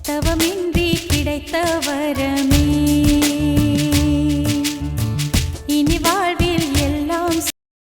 தவமின்றி கிடைத்த வரமே இனி வாழ்வில் எல்லாம்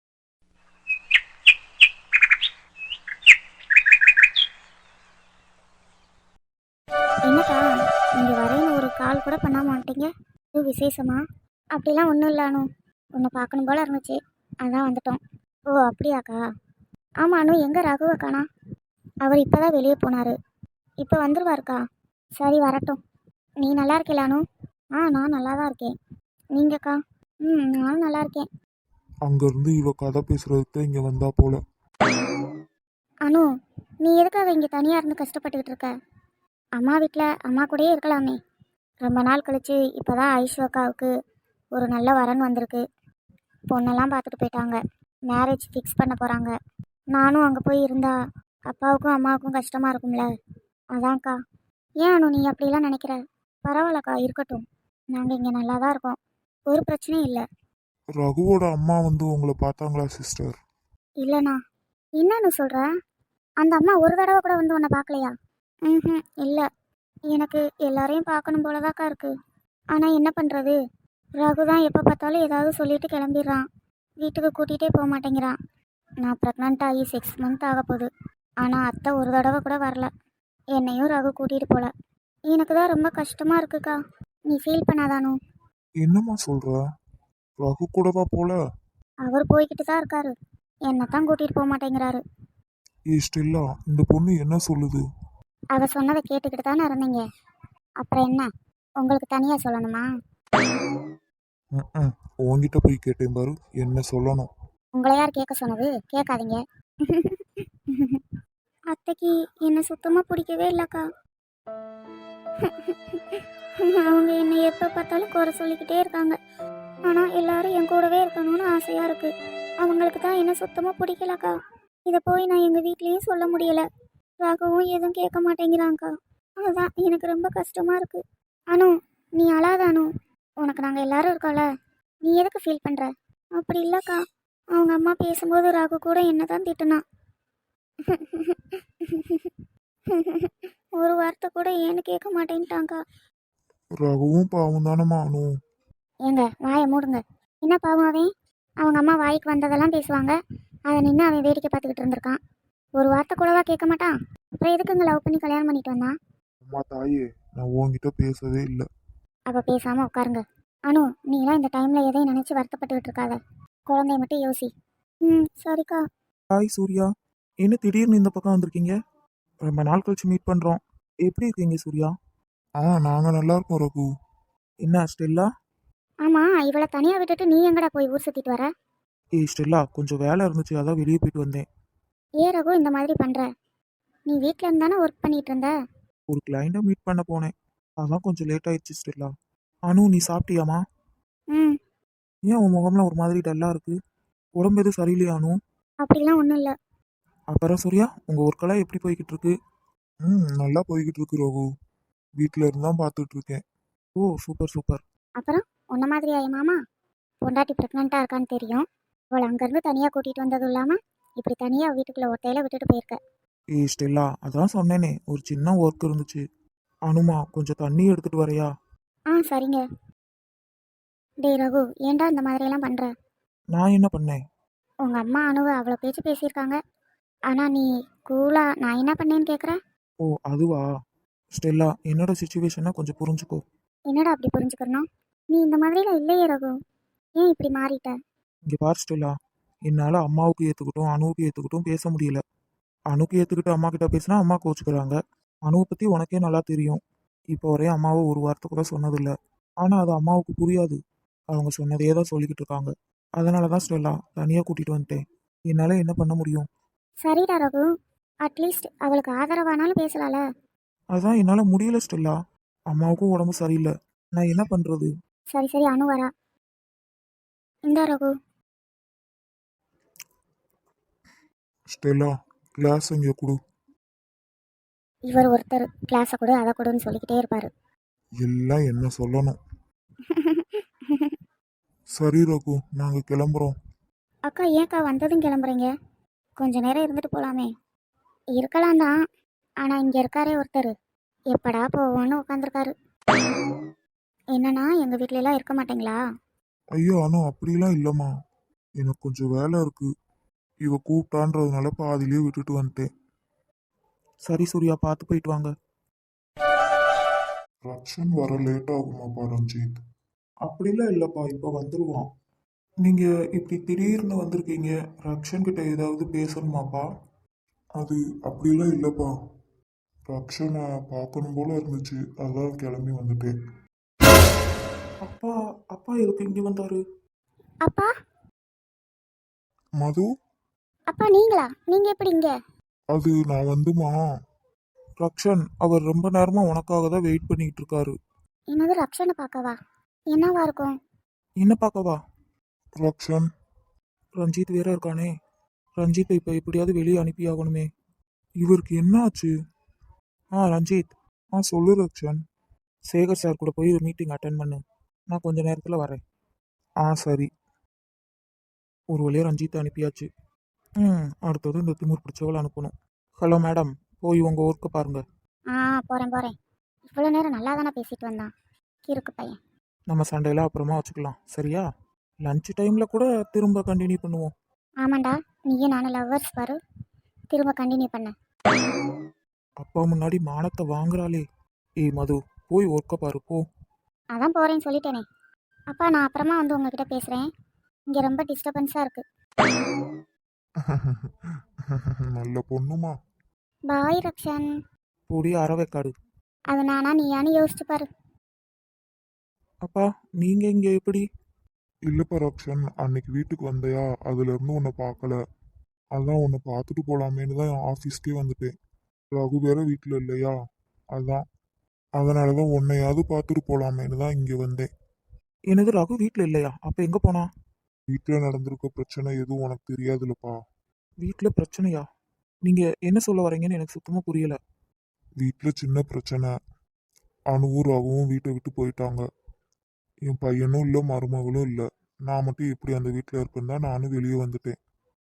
என்னக்கா இங்கே வரேன்னு ஒரு கால் கூட பண்ணாம வந்துட்டீங்க? இது விசேஷமா? அப்படிலாம் ஒன்றும் இல்லை அனு, உன்னை பார்க்கணும் போல இருந்துச்சு, அதான் வந்துட்டோம். ஓ அப்படியாக்கா? ஆமாம் அனு, எங்கே ரகுவை காணா? அவர் இப்போ தான் வெளியே போனார், இப்போ வந்துடுவாருக்கா. சரி வரட்டும். நீ நல்லா இருக்கல அனு? நான் நல்லா தான் இருக்கேன். நீங்கக்கா? நானும் நல்லா இருக்கேன். அங்கிருந்து இவ கதை பேசுறதுக்கு இங்க வந்தா போல. அனு, நீ எதுக்காக இங்கே தனியாக இருந்து கஷ்டப்பட்டுக்கிட்டு இருக்க? அம்மா வீட்டில் அம்மா கூடயே இருக்கலாமே. ரொம்ப நாள் கழிச்சு இப்போ தான் ஐஷு அக்காவுக்கு ஒரு நல்ல வரன் வந்திருக்கு. பொண்ணெல்லாம் பார்த்துட்டு போயிட்டாங்க, மேரேஜ் ஃபிக்ஸ் பண்ண போகிறாங்க. நானும் அங்கே போய் இருந்தா அப்பாவுக்கும் அம்மாவுக்கும் கஷ்டமாக இருக்கும்ல, அதான்க்கா. ஏன் அனு நீ அப்படிலாம் நினைக்கிற? பரவாயில்லக்கா, இருக்கட்டும். நாங்கள் இங்கே நல்லா தான் இருக்கோம், ஒரு பிரச்சனையும் இல்லை. ரகுவோட அம்மா வந்து உங்களை பார்த்தாங்களா சிஸ்டர்? இல்லைண்ணா. என்னன்னு சொல்கிற? அந்த அம்மா ஒரு தடவை கூட வந்து உன்னை பார்க்கலையா? ம், இல்லை. எனக்கு எல்லாரையும் பார்க்கணும் போலதாக்கா இருக்கு. ஆனால் என்ன பண்ணுறது, ரகு தான் எப்போ பார்த்தாலும் ஏதாவது சொல்லிட்டு கிளம்பிடுறான், வீட்டுக்கு கூட்டிகிட்டே போக மாட்டேங்கிறான். நான் ப்ரெக்னென்ட் ஆகி 6 மந்த் ஆக போகுது, ஆனால் அத்தை ஒரு தடவை கூட வரல. என்னையும் ரகு கூட்டிகிட்டு போகல. எனக்கு தான் ரொம்ப கஷ்டமாக இருக்குக்கா. நீ ஃபீல் பண்ணாதானோ? என்னம்மா சொல்ற? ரகு கூடவா போல? அவர் போய்கிட்டு தான் இருக்காரு, என்னை தான் கூட்டிகிட்டு போக மாட்டேங்கிறாரு. ஸ்டெல்லா, இந்த பொண்ணு என்ன சொல்லுது? அவ சொன்னதை கேட்டுக்கிட்டு தானே இருந்தீங்க, அப்புறம் என்ன உங்களுக்கு தனியாக சொல்லணுமா? உன்கிட்ட போய் கேட்டேன் பாரு, என்ன சொல்லணும். உங்களை யார் கேட்க சொன்னது? கேட்காதீங்க. அத்தைக்கு என்னை சுத்தமாக பிடிக்கவே இல்லைக்கா. அவங்க என்னை எப்போ பார்த்தாலும் குறை சொல்லிக்கிட்டே இருக்காங்க. ஆனால் எல்லாரும் என் கூடவே இருக்கணும்னு ஆசையாக இருக்குது. அவங்களுக்கு தான் என்ன சுத்தமாக பிடிக்கலக்கா. இதை போய் நான் எங்கள் வீட்லேயும் சொல்ல முடியலை. ராகவும் எதுவும் கேட்க மாட்டேங்கிறாங்க்கா. அதுதான் எனக்கு ரொம்ப கஷ்டமாக இருக்குது. அனு, நீ அழாத அனு, உனக்கு நாங்கள் எல்லாரும் இருக்கோம்ல, நீ எதுக்கு ஃபீல் பண்ணுற? அப்படி இல்லைக்கா, அவங்க அம்மா பேசும்போது ராகு கூட என்ன தான் திட்டுனா. ஒரு வார்த்தை கூட ஏன்னு கேட்க மாட்டேன்ட்டாங்க்கா. ரகுவும் பாவம் தானம்மா அனு. ஏங்க வாயை மூடுங்க. என்ன பாவம் அவன்? அவங்க அம்மா வாய்க்கு வந்ததெல்லாம் பேசுவாங்க, அதை நின்று அவன் வேடிக்கை பார்த்துக்கிட்டு இருந்திருக்கான். ஒரு வார்த்தை கூடவா கேட்க மாட்டான்? அப்புறம் எதுக்குங்க லவ் பண்ணி கல்யாணம் பண்ணிட்டு வந்தான்? அம்மா தாயே, நான் உன்கிட்ட பேசவே இல்லை. அப்போ பேசாமல் உட்காருங்க. அனு, நீலாம் இந்த டைமில் எதையும் நினச்சி வருத்தப்பட்டுக்கிட்டு இருக்காத, குழந்தைய மட்டும் யோசி. சரிக்கா. ஹாய் சூர்யா, என்ன திடீர்னு இந்த பக்கம் வந்திருக்கீங்க? ரொம்ப நாள் கழிச்சு மீட் பண்ணுறோம். எப்படி இருக்கீங்க சூர்யா? நாங்க நல்லா இருக்கோம் ரகு. என்ன ஸ்டெல்லா? ஆமாம், இவளை தனியாக விட்டுட்டு நீ எங்கடா போய் ஊர் சுற்றிட்டு வர? ஸ்டெல்லா, கொஞ்சம் வேலை இருந்துச்சு, அதான் வெளியே போயிட்டு வந்தேன். ஏன் ரகு இந்த மாதிரி பண்ணுற? நீ வீட்டில் இருந்தானே ஒர்க் பண்ணிட்டு இருந்த. ஒரு கிளைண்ட்டை மீட் பண்ண போனேன், அதான் கொஞ்சம் லேட் ஆயிடுச்சு ஸ்டெல்லா. அனு, நீ சாப்பிட்டியாமா? ம் ஏன் உன் முகம்லாம் ஒரு மாதிரி டல்லாக இருக்கு? உடம்பு எதுவும் சரியில்லையா அனு? அப்படிலாம் ஒன்றும் இல்லை. அப்புறம் சூர்யா, உங்கள் ஒர்க்கெல்லாம் எப்படி போய்கிட்டு இருக்கு? நல்லா போய்கிட்டு இருக்கு ரகு. வீட்டில் இருந்தான் பார்த்துட்டு இருக்கேன். ஓ சூப்பர் சூப்பர். அப்புறம் உன்ன மாதிரியா என் மாமா? பொண்டாட்டி ப்ரெக்னெண்ட்டாக இருக்கான்னு தெரியும், அவளை அங்கேருந்து தனியாக கூட்டிகிட்டு வந்ததும் இல்லாமல் இப்படி தனியாக வீட்டுக்குள்ளே ஒத்தையில விட்டுட்டு போயிருக்க. ஸ்டெல்லா, அதான் சொன்னேனே, ஒரு சின்ன ஒர்க் இருந்துச்சு. அனுமா, கொஞ்சம் தண்ணி எடுத்துகிட்டு வரையா? சரிங்க. டேய் ரகு, ஏன்டா இந்த மாதிரியெல்லாம் பண்ணுற? நான் என்ன பண்ணேன்? உங்கள் அம்மா அணுவை அவ்வளோ பேச்சு பேசியிருக்காங்க, ஆனால் நீ கூலாக நான் என்ன பண்ணேன்னு கேட்குற? ஓ அதுவா? ஸ்டெல்லா, என்னோட சுச்சுவேஷனை கொஞ்சம் புரிஞ்சுக்கோ. என்னடா அப்படி புரிஞ்சுக்கணும்? நீ இந்த மாதிரிலாம் இல்லையே ரகு, ஏன் இப்படி மாறிட்ட? இங்கே பார் ஸ்டெல்லா, என்னால் அம்மாவுக்கு ஏற்றுக்கிட்டும் அணுவுக்கு ஏற்றுக்கிட்டும் பேச முடியல. அணுக்கு ஏற்றுக்கிட்டு அம்மா கிட்ட பேசினா அம்மா கோச்சுக்கிறாங்க. அணுவை பற்றி உனக்கே நல்லா தெரியும். இப்போ வரையும் அம்மாவை ஒரு வார்த்தை கூட சொன்னதில்லை. ஆனால் அது அம்மாவுக்கு புரியாது, அவங்க சொன்னதே தான் சொல்லிக்கிட்டு இருக்காங்க. அதனால தான் ஸ்டெல்லா தனியாக கூட்டிகிட்டு வந்துட்டேன். என்னால் என்ன பண்ண முடியும்? சரிடா ரகு, அட்லீஸ்ட் அவளுக்கு ஆதரவானாலும் பேசலாம்ல. அதான் என்னால் முடியல ஸ்டெல்லா, அம்மாவுக்கும் உடம்பு சரியில்லை, நான் என்ன பண்ணுறது? சரி சரி, அணு வரா. இந்தா ரகு. ஸ்டெல்லா, கிளாஸ் இங்கே கொடு. இவர் ஒருத்தர் கிளாஸை கொடு அதை கொடுன்னு சொல்லிக்கிட்டே இருப்பார். எல்லாம் என்ன சொல்லணும். சரி ரகு, நாங்கள் கிளம்புறோம். அக்கா ஏன்க்கா வந்ததும் கிளம்புறீங்க? கொஞ்ச நேரம் இருந்துட்டு போகலாமே. இருக்கலாம் தான், ஆனால் இங்கே இருக்காரே ஒருத்தர், எப்படா போவோன்னு உட்காந்துருக்காரு. என்னன்னா எங்கள் வீட்ல எல்லாம் இருக்க மாட்டீங்களா? ஐயோ அனு அப்படிலாம் இல்லைம்மா. எனக்கு கொஞ்சம் வேலை இருக்கு. இவ கூப்பிட்டான்றதுனால பாதியிலே விட்டுட்டு வந்துட்டேன். சரி சூர்யா, பார்த்து போயிட்டு வாங்க. ரக்ஷன் வர லேட் ஆகுமாப்பா ரஞ்சித்? அப்படிலாம் இல்லைப்பா, இப்போ வந்துடுவான். நீங்கள் இப்படி திடீர்னு வந்திருக்கீங்க, ரக்ஷன் கிட்ட ஏதாவது பேசணுமாப்பா? அது அப்படிலாம் இல்லைப்பா. ரக்ஷனை பார்க்கணும் போல இருந்துச்சு, அதான் கிளம்பி வந்துட்டேன். அப்பா அப்பா எதுக்கு இங்கே வந்தாரு? அப்பா, மது, அப்பா நீங்களா? நீங்கள் எப்படி இங்கே? அது நான் வந்துமா. ரக்ஷன் அவர் ரொம்ப நேரமா உனக்காக தான் வெயிட் பண்ணிட்டு இருக்காரு. என்னது ரக்ஷனை பார்க்கவா? என்னவா இருக்கும்? என்ன பார்க்கவா? ரக்ஷன், ரஞ்சித் வேற இருக்கானே. ரஞ்சித்தை இப்போ எப்படியாவது வெளியே அனுப்பி ஆகணுமே. இவருக்கு என்ன ஆச்சு? ரஞ்சித். சொல்லு ரக்ஷன். சேகர் சார் கூட போய் ஒரு மீட்டிங் அட்டன் பண்ணு. நான் கொஞ்ச நேரத்தில் வரேன். சரி. ஒரு வழியாக ரஞ்சித்தை அனுப்பியாச்சு. அடுத்தது இந்த திமிர் பிடிச்சவளை அனுப்பணும். ஹலோ மேடம், போய் உங்கள் ஒர்க்கை பாருங்கள். போகிறேன். இவ்வளோ நேரம் நல்லா தானே பேசிட்டு வந்தான் கிறுக்கு பையன். நம்ம சண்டையெல்லாம் அப்புறமா வச்சுக்கலாம், சரியா? லஞ்ச் டைமில் கூட திரும்ப கண்டினியூ பண்ணுவோம். ஆமாண்டா, நீயும் நானும் லவ்வர்ஸ் பாரு. திரும்ப கண்டினியூ பண்ண. அப்பா முன்னாடி மானத்தை வாங்குறாளே. ஏய் மது, போய் ஒர்க்கை பாரு போ. அதான் போகிறேன்னு சொல்லிட்டேனே. அப்பா, நான் அப்புறமா வந்து உங்ககிட்ட பேசுகிறேன். இங்கே ரொம்ப டிஸ்டர்பன்ஸாக இருக்குது. நல்ல பொண்ணுமா. பாய் ரக்ஷன். போடி அறவைக்காடு. அது நானா நீயானு யோசிச்சு பாரு. அப்பா, நீங்கள் இங்கே எப்படி? இல்லப்பா ரக்ஷன், அன்னைக்கு வீட்டுக்கு வந்தையா, அதுல இருந்து உன்னை பார்க்கல. அதான் உன்னை பார்த்துட்டு போலாமேன்னு தான் ஆஃபீஸ்க்கே வந்துட்டேன். ரகு வேற வீட்டில் இல்லையா, அதனாலதான் உன்னையாவது பார்த்துட்டு போலாமேன்னு தான் இங்கே வந்தேன். என்னது, ரகு வீட்டில் இல்லையா? அப்போ எங்கே போனா? வீட்டில் நடந்திருக்க பிரச்சனை எதுவும் உனக்கு தெரியாதுல்லப்பா. வீட்டில் பிரச்சனையா? நீங்கள் என்ன சொல்ல வரீங்கன்னு எனக்கு சுத்தமாக புரியல. வீட்டில் சின்ன பிரச்சனை. அணுவும் ரகுவும் வீட்டை விட்டு போயிட்டாங்க. என் பையனும் இல்லை, மருமகளும் இல்லை. நான் மட்டும் எப்படி அந்த வீட்டில் இருப்பேன் தான் நானும் வெளியே வந்துட்டேன்.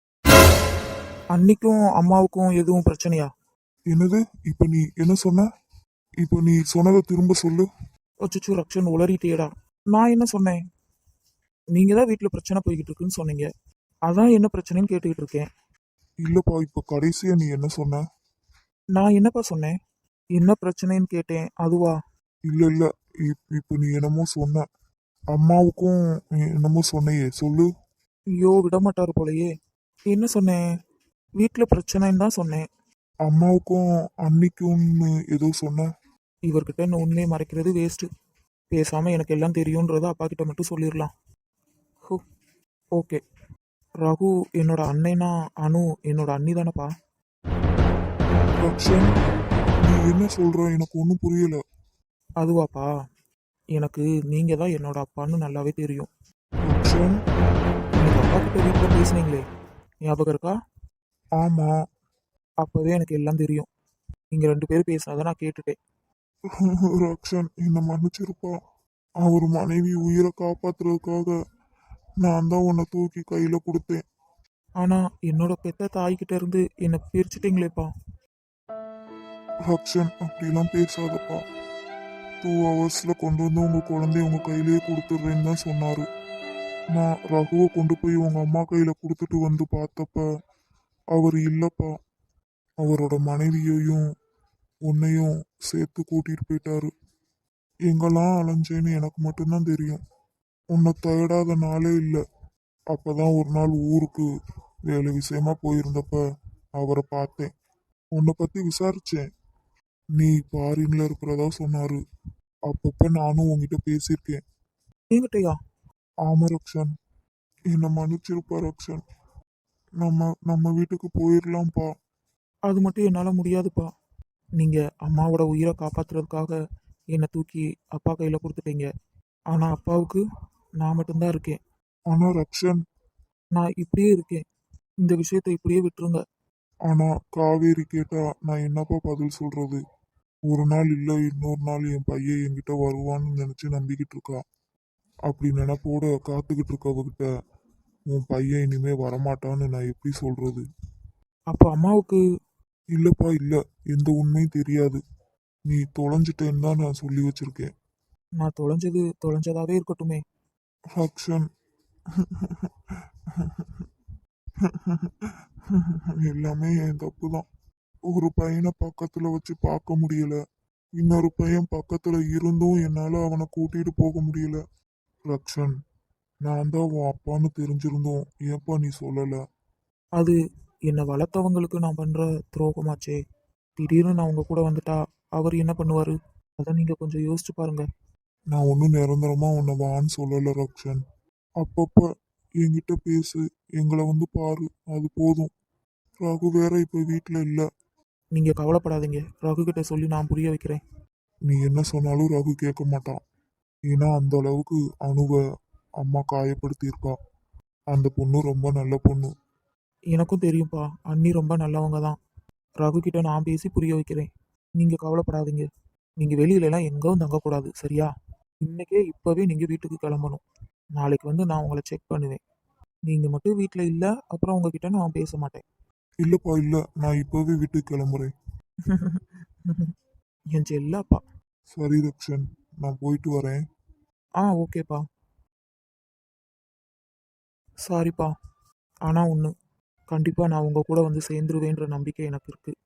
அன்னைக்கும் அம்மாவுக்கும் எதுவும் பிரச்சனையா? என்னது? இப்போ நீ என்ன சொன்ன? இப்போ நீ சொன்னதை திரும்ப சொல்லு. அச்சோ ரக்ஷன், உளறிட்டேடா. நான் என்ன சொன்னேன்? நீங்கள் தான் வீட்டில் பிரச்சனை போய்கிட்டு இருக்குன்னு சொன்னீங்க. அதான் என்ன பிரச்சனைன்னு கேட்டுக்கிட்டு இருக்கேன். இல்லப்பா, இப்போ கடைசியா நீ என்ன சொன்ன? நான் என்னப்பா சொன்னேன்? என்ன பிரச்சனைன்னு கேட்டேன், அதுவா? இல்ல இல்ல, இப்போ நீ என்னமோ சொன்ன. அம்மாவுக்கும் என்னமோ சொன்னையே, சொல்லு. ஐயோ, விடமாட்டாரு போலையே. என்ன சொன்னேன்? வீட்டில் பிரச்சனைன்னு தான் சொன்னேன். அம்மாவுக்கும் அன்னைக்கும்னு ஏதோ சொன்ன. இவர்கிட்ட என்ன உண்மையை மறைக்கிறது வேஸ்ட்டு. பேசாமல் எனக்கு எல்லாம் தெரியுன்றதை அப்பா கிட்ட மட்டும் சொல்லிடலாம். ஹோ, ஓகே. ரகு என்னோட அன்னைனா அனு என்னோட அண்ணி தானப்பா? ரக்ஷன், நீ என்ன சொல்ற? எனக்கு ஒன்றும் புரியல. அதுவாப்பா, எனக்கு நீங்கள் தான் என்னோட அப்பான்னு நல்லாவே தெரியும். ரக்ஷன். நீங்கள் அப்பா கிட்ட வீட்டில் பேசுனீங்களே, ஞாபகம் இருக்கா? ஆமா. அப்போவே எனக்கு எல்லாம் தெரியும். நீங்கள் 2 பேரும் பேசினதை நான் கேட்டுட்டேன். ரக்ஷன், என்னை மன்னிச்சிருப்பா. அவர் மனைவி உயிரை காப்பாத்துறதுக்காக நான் தான் உன்னை தூக்கி கையில கொடுத்தேன். ஆனால் என்னோட பெத்த தாய்கிட்ட இருந்து என்னை பிரிச்சுட்டீங்களேப்பா. ரக்ஷன், அப்படிலாம் பேசாதப்பா. 2 ஹவர்ஸ்ல கொண்டு வந்து உங்க குழந்தைய உங்க கையிலேயே கொடுத்துட்றேன்னு தான் சொன்னாரு. நான் ரகுவை கொண்டு போய் உங்க அம்மா கையில கொடுத்துட்டு வந்து பார்த்தப்ப அவர் இல்லப்பா. அவரோட மனைவியையும் உன்னையும் சேர்த்து கூட்டிட்டு போயிட்டாரு. எங்கெல்லாம் அலைஞ்சேன்னு எனக்கு மட்டும்தான் தெரியும். உன்னை தேடாத நாளே இல்லை. அப்பதான் ஒரு நாள் ஊருக்கு வேலை விஷயமா போயிருந்தப்ப அவரை பார்த்தேன். உன்னை பத்தி விசாரிச்சேன். நீ ஃபாரின்ல இருக்கிறதா சொன்னாரு. அப்பப்ப நானும் உன்கிட்ட பேசியிருக்கேன். என்கிட்டயா? ஆமா ரக்ஷன், என்னை மன்னிச்சிருப்பா ரக்ஷன். நம்ம வீட்டுக்கு போயிடலாம்ப்பா. அது மட்டும் என்னால் முடியாதுப்பா. நீங்கள் அம்மாவோட உயிரை காப்பாற்றுறதுக்காக என்னை தூக்கி அப்பா கையில் கொடுத்துட்டீங்க. ஆனால் அப்பாவுக்கு நான் மட்டும்தான் இருக்கேன். ஆனா ரக்ஷன், நான் இப்படியே இருக்கேன். இந்த விஷயத்தை இப்படியே விட்டுருங்க. ஆனா காவேரி கேட்டா நான் என்னப்பா பதில் சொல்றது? ஒரு நாள் இல்ல இன்னொரு நாள் என் பையன் என்கிட்ட வருவான்னு நினைச்சு நம்பிக்கிட்டு இருக்கா. அப்படி நினைப்போட காத்துக்கிட்டு இருக்கவகிட்ட உன் பையன் இனிமே வரமாட்டான்னு நான் எப்படி சொல்றது? அப்போ அம்மாவுக்கு இல்லப்பா இல்ல, எந்த உண்மையும் தெரியாது. நீ தொலைஞ்சிட்டேன்னு தான் நான் சொல்லி வச்சிருக்கேன். நான் தொலைஞ்சது தொலைஞ்சதாவே இருக்கட்டுமே. ரக்ஷன், எல்லாமே என் தப்பு தான். ஒரு பையனை பக்கத்துல வச்சு பார்க்க முடியல. இன்னொரு பையன் பக்கத்துல இருந்தும் என்னால அவனை கூட்டிட்டு போக முடியல. ரக்ஷன், நான் தான் உன் அப்பான்னு தெரிஞ்சிருந்தோம் ஏப்பா நீ சொல்லல? அது என்னை வளர்த்தவங்களுக்கு நான் பண்ற துரோகமாச்சே. திடீர்னு நான் உங்க கூட வந்துட்டா அவர் என்ன பண்ணுவாரு? அதை நீங்க கொஞ்சம் யோசிச்சு பாருங்க. நான் ஒன்றும் நிரந்தரமா உன்னை வான்னு சொல்லல ரக்ஷன். அப்பப்ப என்கிட்ட பேசு, எங்களை வந்து பாரு, அது போதும். ரகு வேற இப்ப வீட்ல இல்ல. நீங்க கவலைப்படாதீங்க, ரகு கிட்ட சொல்லி நான் புரிய வைக்கிறேன். நீ என்ன சொன்னாலும் ரகு கேட்க மாட்டான். ஏன்னா அந்த அளவுக்கு அணுவை அம்மா காயப்படுத்தியிருக்கா. அந்த பொண்ணு ரொம்ப நல்ல பொண்ணு. எனக்கும் தெரியும்ப்பா, அண்ணி ரொம்ப நல்லவங்க தான். ரகு கிட்ட நான் பேசி புரிய வைக்கிறேன். நீங்க கவலைப்படாதீங்க. நீங்க வெளியில எல்லாம் எங்கவும் தங்கக்கூடாது, சரியா? இன்னைக்கே இப்பவே நீங்க வீட்டுக்கு கிளம்பணும். நாளைக்கு வந்து நான் உங்களை செக் பண்ணுவேன். நீங்க மட்டும் வீட்டில் இல்லை, அப்புறம் உங்ககிட்ட நான் பேச மாட்டேன். இல்லப்பா இல்ல, நான் இப்பவே வீட்டுக்கு கிளம்புறேன். என் செல்லப்பா. சரி ரக்ஷன், நான் போயிட்டு வரேன். ஓகேப்பா. சாரிப்பா. ஆனால் ஒன்று, கண்டிப்பாக நான் உங்கள் கூட வந்து சேர்ந்துருவேன்ற நம்பிக்கை எனக்கு இருக்குது.